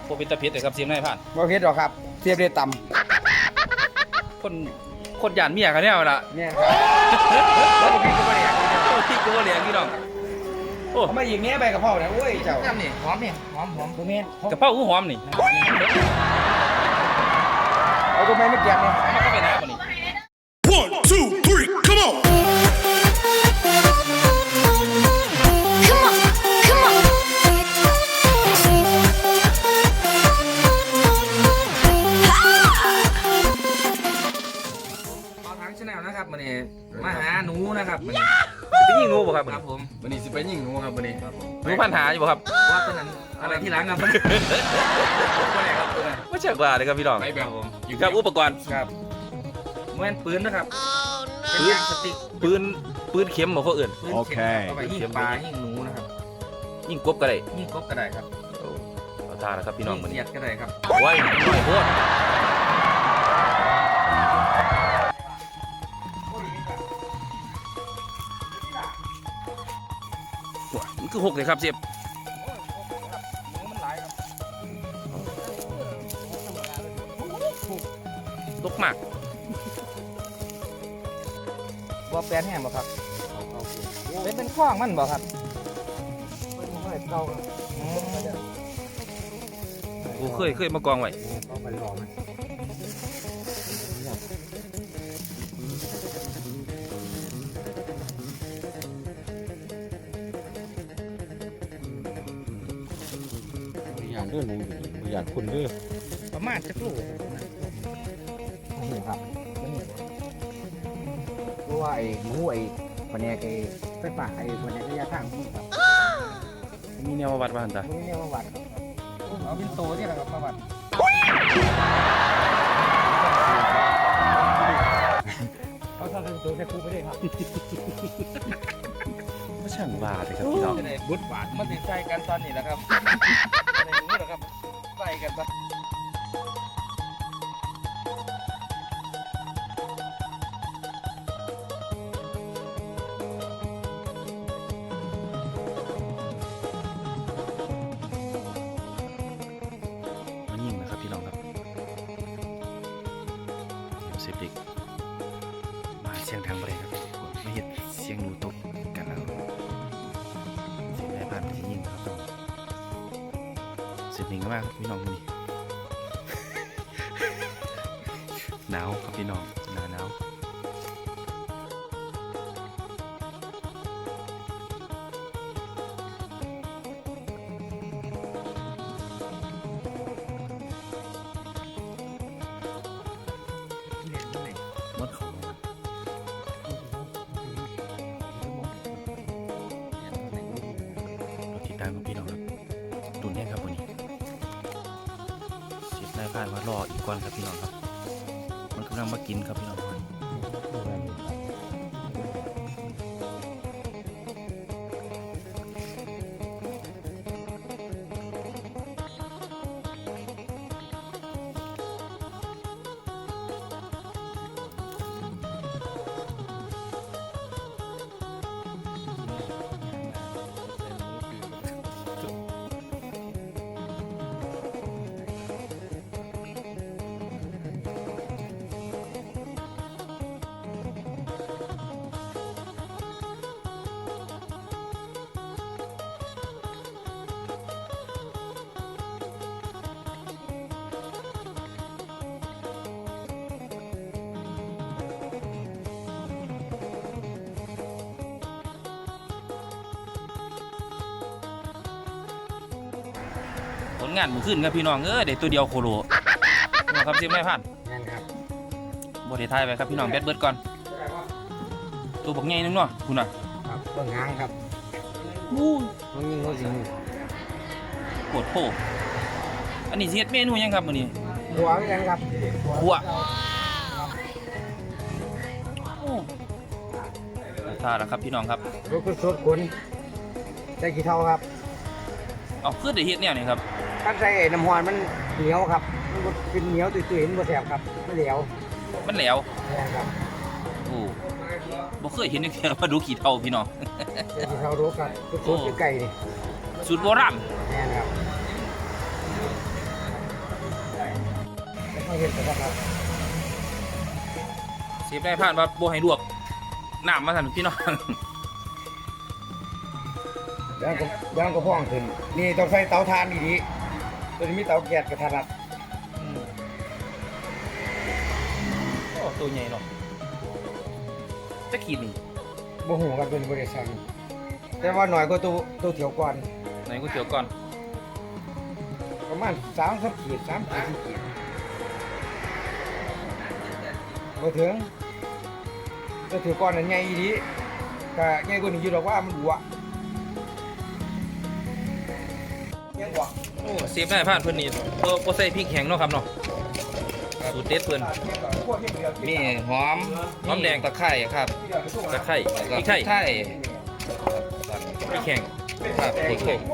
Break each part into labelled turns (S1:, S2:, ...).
S1: พวกเป็นตะเพ็ดเลยครับเสียมนายผ่าน
S2: บ่เผ็ดหรอกครับเสียบได้ต่
S1: คนหยานเมียกันเนี่ยละ
S2: ำเนี่ยครับแล้วบ่เผ็ดก็บ่ได้
S1: โอ้ที่กูว่าเหลียงพี่น้องโอ้
S2: เขามายิงแง่ใบกะเพราเนี่ยโอ้ยเจ้า
S3: น้ำนี่หอมนี่หอมตัวเมียน
S1: กระเพราหูหอมนี่
S2: เอาตัวไม้ไม่เกี่ยงเนี่ย
S1: มันก็ไปน้ำบ่นี่
S4: 1, 2, 3, come on!
S5: Come on, come on.
S3: เอาทั้งชาแนลนะครับมันนี่มาหาหนูนะครับมัน
S1: ไปยิงงูบ่ครับ
S3: ครับผม
S2: วันนี้สิไปยิงหนูครับวันนี้
S1: งูพันหาอยู่บ่ครับ
S3: ว่าตัวนั้นอะไรที่หลังครับตัวไหนครับตัวนั้น
S1: ไม่ใช่ว่าเลยครับพี่น้อง
S2: ไปแบบ
S1: อยู่กับอุปกรณ์
S3: ครับเหมือนปืนนะครับเป็นยางสติ๊ก
S1: ปืนเข็มบ่เขาเอื่น
S3: ปืนเข็มเอาไปยิงปลายิงหนูนะครับ
S1: ยิงกบก็ได้
S3: ยิงกบก็ได้ครับ
S1: เอาท่าแล้วครับพี่น้อง
S3: ยิ
S1: มื้อ
S3: เสี
S1: นี้
S3: ยดก็ได้ครับ
S1: โอ้ยน้อยโพดมันคือ6เลยครับเสียบ
S3: หนูมันหลายครับ
S1: ตกมาก
S3: บ่แปลนแห้งบ่ครับเป็นข้องมันบ่ครับเก่า
S1: โอ้เคยมากองไว้
S3: เขาไปรอมัน
S2: อยากเรื่องหนูอยากคุณเรื่อง
S3: ประมาณจักลูก
S2: นี่ครับเพราะว่าไอ้หนูไอ้ปนแนกไอ้ไฟฟ้าไอ้ปนแนกระยะทางนี่ครับ
S1: มีแนวมาวัดบ้านตา
S2: ตรงนี้เนี่ยว่าวัด
S3: เอาเป็นโตนี่แหละครับประมาณ
S2: เขาทำเป็นตัวแค่คู่ไปเลยครับ
S1: ไม่ช่างว่าเลยครับพี่น้อง
S3: บุญบาทมันติดใจกันตอนนี้แหละครับในนี้แหละครับใส่กันปะ
S1: มันยิงนะครับพี่น้องครับเดี๋ยวเสพเด็กมาเสียงทางบริครับไม่เห็นเสียงหนูตกกันแล้วเสียงไหนผ่านไปยิงครับต้องเสพเด็กมากพี่น้องนี่ หนาวครับพี่น้องหนาว มดเขาเราติดตามกับพี่น้องครับตุนแน่ครับวันนี้เสียบได้ผ่านมารออีกก่อนครับพี่น้องครับมันกำลังมากินครับพี่น้องครับผลงานมือขึ้นครับพี่น้องได้ตัวเดียวโคโลนะครับเสียบไม่ผ่าน
S2: นั่นครับ
S1: บริไทยไปครับพี่น้องแบดเบิร์ดก่อนตัวบักใหญ่นึงเนาะคุณน่ะ
S2: ครับเบื้องหางครับ
S1: อู้
S2: มันยิงเขาสิง
S1: ปวดโผอันนี้เสียดเมนูยังครับมื้อนี้
S2: หัวเหมือนกันครับ
S1: หัวท่าแล้วครับพี่น้องครับ
S2: รถคุณสดคุณได้กี่เท่าครับ
S1: เอาคือได้เฮ็ดแนวนี้ครับ
S2: การใส่น้ำหวานมันเหนียวครับมันบ่เป็นเหนียวตุยๆมันบ่แสบครับมันเหลว
S1: มันแหลว
S2: นี่ครับ
S1: โอ้บ่เคยเห็นจังซี่มาดูขี้เท่าพี่น้อง
S2: ได้กี่เท่ารู้ครับสดๆอยู่ไก่นี่
S1: สูตรโบราณ
S2: นี่ครับมาเห็นกันครับ
S3: เสียบได้ผ่านว่าบ่ให้ลวกน้ำมาสั่นพี่น้อง
S2: ย่างก็พ่องขึ้นนี่ต้องใส่เตาถ่านดีๆตัวนี้มีเตาแก๊สกระทะรัด
S3: โอ้ตัวใหญ่เนาะจะขีดนี่
S2: บ่หูกันเป็นบริษัทแต่ว่าหน่อยก็ตัวเถียวก่อน
S3: ไหนก๋วยเตี๋ยวก่อน
S2: ประมาณ3 ขีด3 ขีด4 ขีดบ่ถึงตัวเถียวก่อนนั่นใหญ่ดีก็ใหญ่กว่านี้อยู่ดอกว่ามันบัวยังบัว
S3: โอ้เสียบได้ผ่านเพิ่นนี่บ่ใส่พริกแห้งเนาะครับเนาะสูตรเด็ดเพิ่น
S1: มีหอม
S3: หอมแดง
S1: ตะไคร้ครับ
S3: ตะไคร้
S1: แล้ว
S3: พ
S1: ก็
S3: ริกไทย
S1: ไข่
S3: พริกแห้ง
S1: ครับพริกแห้ง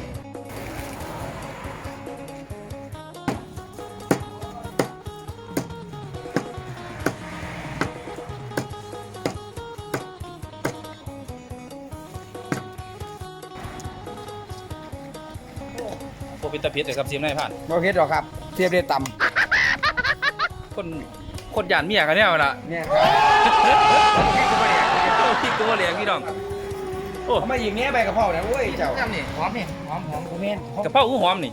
S3: บ่เป็นตะเพ็ดเลยครับเสียบได้ผ่าน
S2: บ่เฮ็ดหรอกครับเทียบได้ต่
S3: คนหยานเมียกันแนวล่ะ
S2: ำเนี่ย
S3: โอ้พริกตัวเหลียงพี่น้องโอ้
S2: เอามาอีกเนี้ยใบกะเพราเนี่ยโอ้ยเจ้า
S1: น้ำนี่หอมนี่
S2: หอมโมเมน
S3: กะเพราหูหอมนี่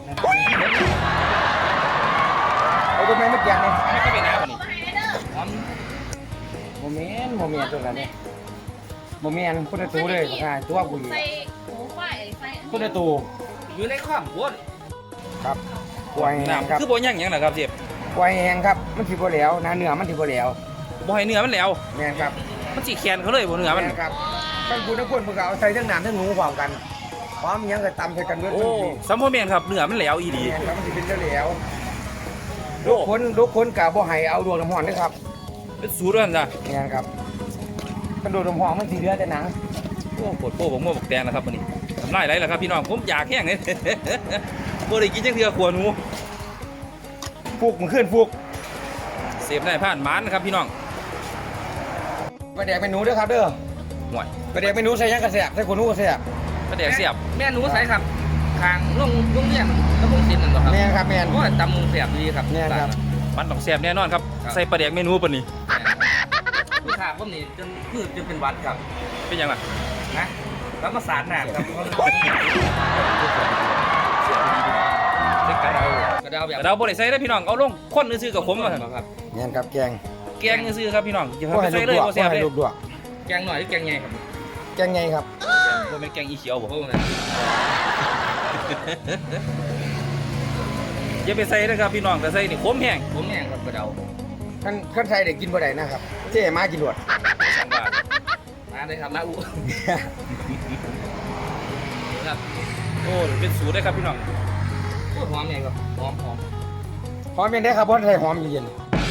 S2: เอาตัวแม่ไม่เกี่ยงเลย
S3: ไม่ค่อยเป็นน้ำนี่
S1: หอม
S2: โมเมนตัวนั้นเนี่ยโมเมนคนละตัวเลยค่ะตัวกูอยู่
S5: ใส่หมูควายใส่
S2: คนละตัว
S3: อยู่ในข้ามหัว
S2: ครับกล้วยแห้งครับ
S3: น้ำคือบ่ย่างหยังล่ะครับเสียบ
S2: กล้วยแห้งครับมันสิบ่แล้วนะเนื้อมันสิบ่แล้ว
S3: บ่ให้เนื้อมันแล้ว
S2: แม่นครับ
S3: มันสิแคนเขาเลยบ่เนื้อมัน
S2: แม่นครับท่านคุณทั้งคนเพิ่นก็เอาใส่ทั้งน้ำทั้งหนูพร้อมกันพร้อมยังก็ตำใส่กันเบิด
S3: โอ้สัมพ่อแม่นครับเนื้อมันแล้วอีหลี
S2: แม่นครับมันสิเป็นแล้ว
S3: โอ้
S2: ลูกคนก็บ่ให้เอาดวงน้ำร้อนเด้อครับ
S3: เป็นสูตรด้วยจ้ะ
S2: แม่นครับกระโดดน้ำร้อนมันสิเหลือแต่หนัง
S3: โอ้โหดโป้บักม่วงบักแดงนะครับมื้อนี้ทำลายไรล่ะครับพี่น้องผมอยากแห้งเลย บ่ได้กินจังเทื่อขัวหนู
S2: ฟุกมันขึ้นฟุก
S3: เสพได้ผ่านหมานนะครับพี่น้อง
S2: ไปแดกเมนูเด้อครับเด้อ
S3: ห่วย
S2: ไปแดกเมนูใส่หยังกระแสบใส่ขนหนูกระแสบ
S3: กระแดกเสียบ
S1: แม่หนูใส่ครับคางลงเรียนแล้วพงศิลป์นั่นบ่ครับ
S2: แม่นครับแม่น
S1: โอ้ยตำมุงเสียบดีครับ
S2: แม่นครับ
S3: มันต้องแซ่บแน่นอนครับใส่ปลาแดกเมนูปานนี้
S1: ลูกค้าผมนี่จนเป็นหวัดครับ
S3: เป็นหยังล่ะ
S1: นะแล้วมาสารหนาครับ
S3: ใส่กระเดาก
S1: ระเดาแบบ
S3: กระเดาบ่ได้ใส่เด้อพี่น้องเอาลงคนซื่อๆกับผมว่าซั่น
S1: ครับ
S2: แม่นครับแกง
S3: แกงซื่อๆครับพี่น้องอย่า
S2: บ่
S3: ไป
S2: ให้
S3: ใส่
S2: ลูก
S3: เลย
S2: ดวก
S3: บ่
S2: บ่
S3: แซ่บเล
S2: ให้
S3: ย
S2: ลูกดวก
S1: แกงหน่อยหรือแกงใหญ่ครับ
S2: แกงไงครับ
S3: บ่แม่นแกงอีเขียวบ่
S1: โอ้ย
S3: อย่าไปใส่นะครับพี่น้องแต่ใส่นี่ขมแห้ง
S1: ผมแห้งครับกระเดา
S2: ขั้นใส่ได้กินบ่ได้นะครับเจ๊มากินรวด
S3: สั่งว่า
S1: มาเลยครับมาอุครับ
S3: โอ้เป็นสูตรได้ครับพี่น้อง
S1: โอ้ยหอมใหญ่ครับหอม
S2: หอมยังได้ครับเพราะใส่หอมเย็น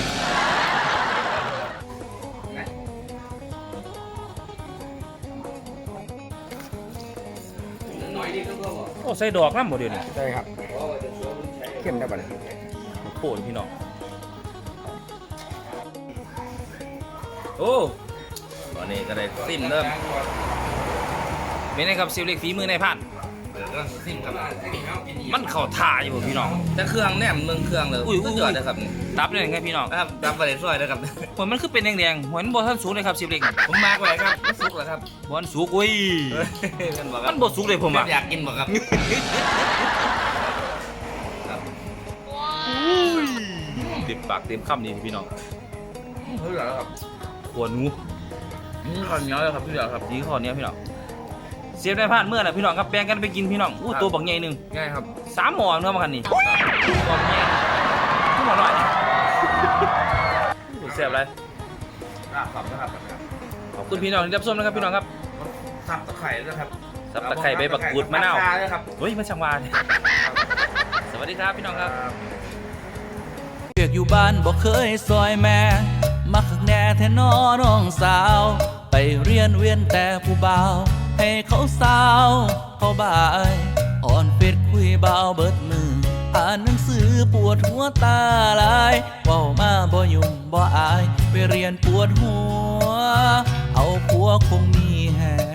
S1: นะ หน่อยดีก็พอ
S3: โอ้ใส่ดอกน้ำบ่เดี๋ยวนี้
S2: ใช่ครับเข้มได้ป่ะเนี่ย
S3: โอ้พี่น้องโอ้ตอนนี้ก็ได้ซิมเริ่มเป็นไงครับซิลเล็กฝีมือในายพัน
S1: ซิมครับ
S3: มันเข้าท่าอยู่พี่น้อง
S1: แต่เครื่องแนมเมืองเครื่องเลย
S3: อุ้ย
S1: สุดยอดเลยครับ
S3: ดับเลยไงพี่น้อง
S1: ครับดับไปเลยซอยนะครับ
S3: ผลมันคือเป็นแดงๆเหมือนบ่ทันสุกเลยครับซิลเล็ก
S1: ผมมาร์กไว้ครับไม่สุกเหรอครับ
S3: บ่ทันสุกอุ้ย
S1: มันบอกค
S3: มั
S1: รับ
S3: นบ่สุกเลยผมอ่ะ
S1: อยากกินบอกครับ
S3: เต็มปากเต็มคำนี่พี่น้อง
S1: เฮ้ยเหรอครับ
S3: ขวหนู
S1: นี่ข้าวเหนียวเลยครับพี่เหรอครับ
S3: ดีข้อเนี้ยพี่น้องเสียบได้ผ่านเมื่อน่ะพี่น้องครับแบ่งกันไปกินพี่น้องอู้ตัวบักใหญ่หนึง
S1: ง่ายครับ
S3: 3 หม้อเนื้อมากันนี่ตัวบักใหญ่หม้อน้อยอู้แซ่บเลย
S1: ครับนะครับ
S3: ขอบคุณพี่น้องที่รับชมนะครับพี่น้องครับ
S1: สับตะไคร้นะครับ
S3: สับตะไคร้ใบบักกูดมะนาว
S1: เลยครับ
S3: เฮ้ยมันช่างหวานสวัสดีครับพี่น้องครับ
S6: เรียกอยู่บ้านบอกเคยซอยแม่ มักขักแน่แท้น้อน้องสาว ไปเรียนเวียนแต่ผู้บ่าว ให้เขาสาวเขาบ่ายอ่อนเป็ดคุยเบาเบิดมือ อ่านหนังสือปวดหัวตาลายเว้ามาบ่ยุ่งบ่อาย ไปเรียนปวดหัว เอาผัวคงมีแหง